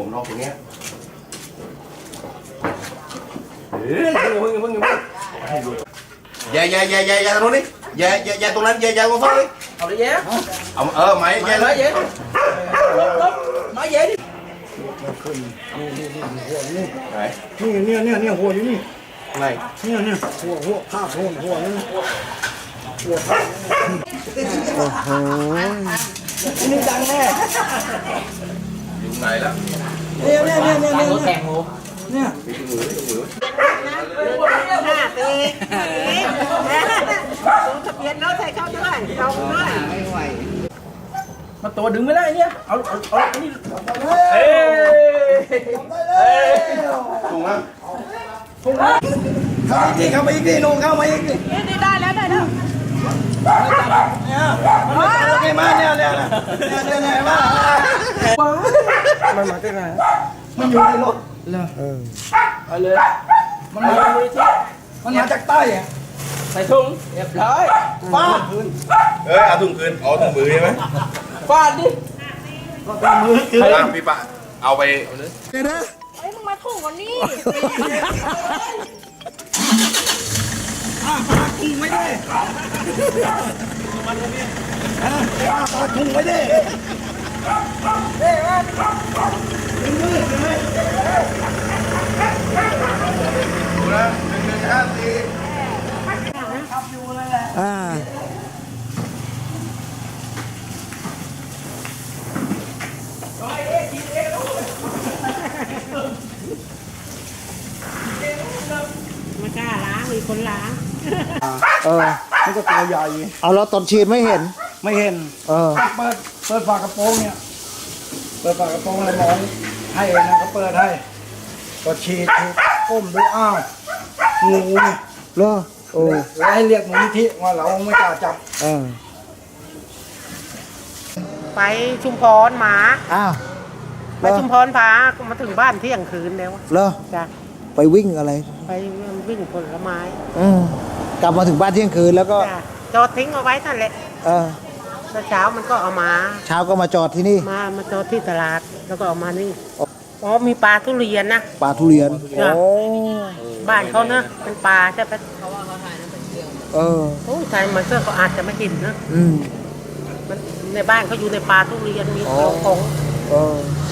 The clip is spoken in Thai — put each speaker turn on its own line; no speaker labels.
นอกอย่างเงี้ยมึงอย่าตรงนี้อย่าตรงนั้นอย่าตรงนั้น
เอาเลยเย้
เอาไม้อย่าเลย
ไม้เย้ดิ
ไหน
เนี่ยหัวอยู่นี่
ไหน
เนี่ยหัวผ้าหัวนี่หัวผ้าโอ้โหนี่ดังแน่
อยู่ไหนแล้ว
เนี่ย
แข่งหมู
เนี่ย
ทะเบียนรถใส่เข้าด้วยลงด้วยไม่ไหว
มาตัวดึงไม่ได้เนี่ยเอานี่
ถูกไหม
เข้ามาอีกทีนุ่งเข้ามาอีกที
นี่ได้แล้ว
เนี่ยมาเนี่ยมามันมาจากไหนมันอยู่ในรถเลย
ไปเลยมันมาเลยที่
มันมาจากใต้อะ
ใส่ถุงเรียบร้อย
ฟาดคืน
เอาถุงคืนเอาถุงมือใช่ไหม
ฟาดดิ
ก็ถุงมือคืน
พี่ปะเอาไปเลย
เฮ้ยมึงมาถูกวันนี้
ปากถุงไว้ดิปากถุงไว้ดิ
ไม่กล้าล้างมีคนล้าง
มันก็ตัวใหญ่
เอาแล้วตอนฉีดไม่เห็น
ไม่เห็นเปิดฝากระโปรงเนี่ยเปิดฝากระโปรงอะไรมองให้นะเขาเปิดให้ก็ฉีดก้มดูอ้าวงูเนี่ย
เหรอโอ้
แล้วให้เรียกมูลนิธิว่าเราไม่กล้าจับ
ไปชุมพรหมา
อ้าว
ไปชุมพรพามาถึงบ้านเที่ยงคืนแล้ว
เหรอ
จ้ะ
ไปวิ่งอะไร
ไปวิ่งผลไม้
กลับมาถึงบ้านเที่ยงคืนแล้วก็
จอดทิ้งเอาไว้นั่นแหละแล้วเช้ามันก็เอามา
เช้าก็มาจอดที่นี่
มาจอดที่ตลาดแล้วก็เอามานี่มีปลาทุเรียนนะ
ปลาทุเรียน
บ้านเขาเนอะเป็นปลาใช่ไหมโอ้ใช่มาเสื้อเขาอาจจะไม่กินนะในบ้านเขาอยู่ในปลาทุเรียนมีของ